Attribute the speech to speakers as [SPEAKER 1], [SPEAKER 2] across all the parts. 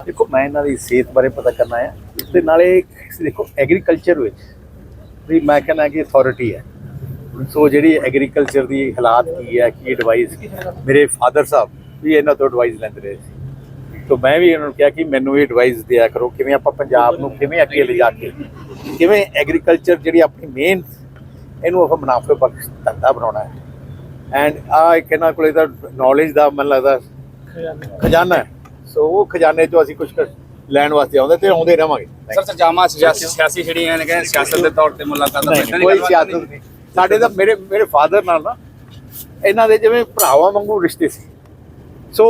[SPEAKER 1] देखो मैं इन्हों की सेहत बारे पता करना है उसके नाले देखो एग्रीकल्चर भी मैं कहना कि अथॉरिटी है सो जी एग्रीकल्चर की हालात की है कि एडवाइस मेरे फादर साहब भी इन्हों तो एडवाइस लेंदे रहे सी तो मैं भी इन्होंने कहा कि मैनू भी एडवाइस दिया करो कि आप पंजाब नूं किवें अगे ले जाके किवें एग्रीकल्चर जी अपनी मेन इनू आप मुनाफे बख्श धंधा बनाना है एंड एक इन्हों को नॉलेज का मन लगता खजाना है सो वो खजाने चो असीं कुछ लैण वास्ते आउंदे ते आउंदे रहांगे
[SPEAKER 2] सर सरजामा सियासी ਜਿਹੜੀਆਂ ਨੇ ਕਹਿੰਦੇ ਸਿਆਸਤ ਦੇ ਤੌਰ ਤੇ ਮੁਲਾਕਾਤਾਂ
[SPEAKER 1] नहीं कोई सियासत नहीं ਸਾਡੇ ਤਾਂ ਮੇਰੇ ਫਾਦਰ ਨਾਲ ਨਾ ਇਹਨਾਂ ਦੇ ਜਿਵੇਂ ਭਰਾਵਾਂ ਵਾਂਗੂ ਰਿਸ਼ਤੇ ਸੀ ਸੋ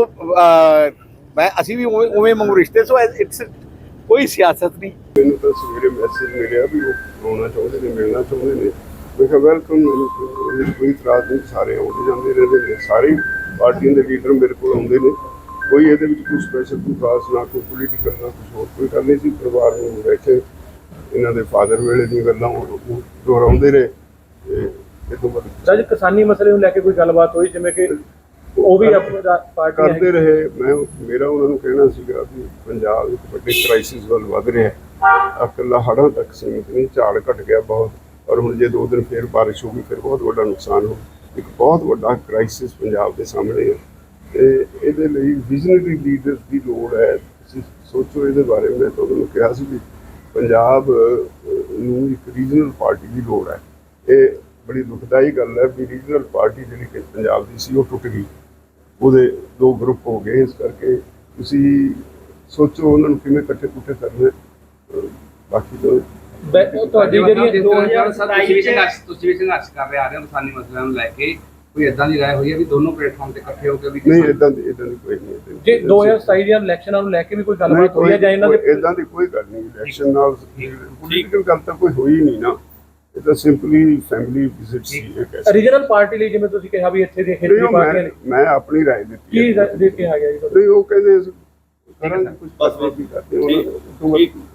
[SPEAKER 1] ਮੈਂ ਅਸੀਂ ਵੀ ਉਵੇਂ ਵਾਂਗੂ ਰਿਸ਼ਤੇ ਸੋ ਇਟਸ ਕੋਈ ਸਿਆਸਤ ਨਹੀਂ
[SPEAKER 3] ਮੈਨੂੰ ਤਾਂ ਸਵੇਰੇ ਮੈਸੇਜ ਮਿਲਿਆ ਵੀ ਉਹ ਆਉਣਾ ਚਾਹੁੰਦੇ ਨੇ ਮਿਲਣਾ ਚਾਹੁੰਦੇ ਨੇ ਮੈਂ ਕਿਹਾ ਵੈਲਕਮ ਕੋਈ ਇਤਰਾਜ਼ ਨਹੀਂ ਸਾਰੇ ਆਉਂਦੇ ਜਾਂਦੇ ਰਹਿੰਦੇ ਨੇ ਸਾਰੇ ਪਾਰਟੀਆਂ ਦੇ ਲੀਡਰ ਮੇਰੇ ਕੋਲ ਆਉਂਦੇ ਨੇ ਕੋਈ ਇਹਦੇ ਵਿੱਚ ਕੋਈ ਸਪੈਸ਼ਲ ਕੋਈ ਖਾਸ ਨਾ ਕੋਈ ਪੋਲੀਟੀਕਲ ਨਾ ਕੁਝ ਹੋਰ ਕੋਈ ਗੱਲ ਨਹੀਂ ਸੀ ਪਰਿਵਾਰ ਨੂੰ ਬੈਠੇ ਇਹਨਾਂ ਦੇ ਫਾਦਰ ਵੇਲੇ ਦੀਆਂ ਗੱਲਾਂ ਉਹ ਦੁਹਰਾਉਂਦੇ ਰਹੇ ਇਹ ਤੋਂ ਬਾਅਦ
[SPEAKER 4] ਜਦ ਕਿਸਾਨੀ ਮਸਲੇ ਨੂੰ ਲੈ ਕੇ ਕੋਈ ਗੱਲਬਾਤ ਹੋਈ ਜਿਵੇਂ ਕਿ ਉਹ ਵੀ ਆਪਣੀ ਪਾਰਟੀ
[SPEAKER 3] ਕਰਦੇ ਰਹੇ ਮੈਂ ਮੇਰਾ ਉਹਨਾਂ ਨੂੰ ਕਹਿਣਾ ਸੀਗਾ ਵੀ ਪੰਜਾਬ ਇੱਕ ਵੱਡੇ ਕ੍ਰਾਈਸਿਸ ਵੱਲ ਵੱਧ ਰਿਹਾ ਹੈ ਇਕੱਲਾ ਹੜ੍ਹਾਂ ਤੱਕ ਸੀਮਿਤ ਨਹੀਂ ਝਾੜ ਘਟ ਗਿਆ ਬਹੁਤ ਔਰ ਹੁਣ ਜੇ 2 ਦਿਨ ਫਿਰ ਬਾਰਿਸ਼ ਹੋ ਗਈ ਫਿਰ ਬਹੁਤ ਵੱਡਾ ਨੁਕਸਾਨ ਹੋ ਇੱਕ ਬਹੁਤ ਵੱਡਾ ਕ੍ਰਾਈਸਿਸ ਪੰਜਾਬ ਦੇ ਸਾਹਮਣੇ ਹੈ ਤੇ ਇਹਦੇ ਲਈ ਵਿਜ਼ਨਰੀ ਲੀਡਰਸ ਦੀ ਲੋੜ ਹੈ ਤੁਸੀਂ ਸੋਚੋ ਇਹਦੇ ਬਾਰੇ ਮੈਂ ਤੁਹਾਨੂੰ ਕਿਹਾ ਸੀ ਵੀ ਪੰਜਾਬ ਨੂੰ ਇੱਕ ਰੀਜਨਲ ਪਾਰਟੀ ਦੀ ਲੋੜ ਹੈ ਇਹ ਬੜੀ ਦੁਖਦਾਈ ਗੱਲ ਹੈ ਵੀ ਰੀਜਨਲ ਪਾਰਟੀ ਜਿਹੜੀ ਕਿ ਪੰਜਾਬ ਦੀ ਸੀ ਉਹ ਟੁੱਟ ਗਈ ਉਹਦੇ 2 ਗਰੁੱਪ ਹੋ ਗਏ ਇਸ ਕਰਕੇ ਤੁਸੀਂ ਸੋਚੋ ਉਹਨਾਂ ਨੂੰ ਕਿਵੇਂ ਇਕੱਠੇ ਕਰਨਾ ਬਾਕੀ ਤਾਂ
[SPEAKER 4] ਤੁਹਾਡੀ ਜਿਹੜੀ
[SPEAKER 2] 2027 ਤੁਸੀਂ ਵੀ ਸੰਘਰਸ਼ ਕਰ ਰਹੇ ਆ ਰਹੇ ਹੋ ਕਿਸਾਨੀ ਮਸਲਿਆਂ ਨੂੰ ਲੈ ਕੇ ਕੋਈ ਇਦਾਂ ਦੀ ਰਾਏ ਹੋਈ ਹੈ ਵੀ ਦੋਨੋਂ ਪਲੇਟਫਾਰਮ ਤੇ ਇਕੱਠੇ ਹੋ ਕੇ ਵੀ
[SPEAKER 3] ਨਹੀਂ ਇਦਾਂ ਦੀ ਕੋਈ ਨਹੀਂ
[SPEAKER 4] ਜੇ 2027 ਦੀਆਂ ਇਲੈਕਸ਼ਨਾਂ ਨੂੰ ਲੈ ਕੇ ਵੀ ਕੋਈ ਗੱਲਬਾਤ ਹੋਈ ਹੈ ਜਾਂ ਇਹਨਾਂ ਦੇ
[SPEAKER 3] ਇਦਾਂ ਦੀ ਕੋਈ ਗੱਲ ਨਹੀਂ ਇਲੈਕਸ਼ਨ ਨਾਲ ਪੋਲੀਟੀਕਲ ਗੱਲ ਤਾਂ ਕੋਈ ਹੋਈ ਨਹੀਂ ਨਾ ਇਹ ਤਾਂ ਸਿੰਪਲੀ ਫੈਮਿਲੀ ਵਿਜ਼ਿਟ ਸੀ ਇੱਕ
[SPEAKER 4] ਰੀਜਨਲ ਪਾਰਟੀ ਲਈ ਜਿਵੇਂ ਤੁਸੀਂ ਕਿਹਾ ਵੀ ਇੱਥੇ ਦੇ ਖੇਤਰੀ ਪਾਰਟੀਆਂ ਨੇ
[SPEAKER 3] ਮੈਂ ਆਪਣੀ ਰਾਏ ਦਿੱਤੀ
[SPEAKER 4] ਕੀ ਦੇ ਕੇ ਆ ਗਿਆ ਜੀ
[SPEAKER 3] ਨਹੀਂ ਉਹ ਕਹਿੰਦੇ ਕਰਾਂਗੇ ਕੁਝ ਬਸ ਵੀ ਕਰਦੇ ਉਹਨਾਂ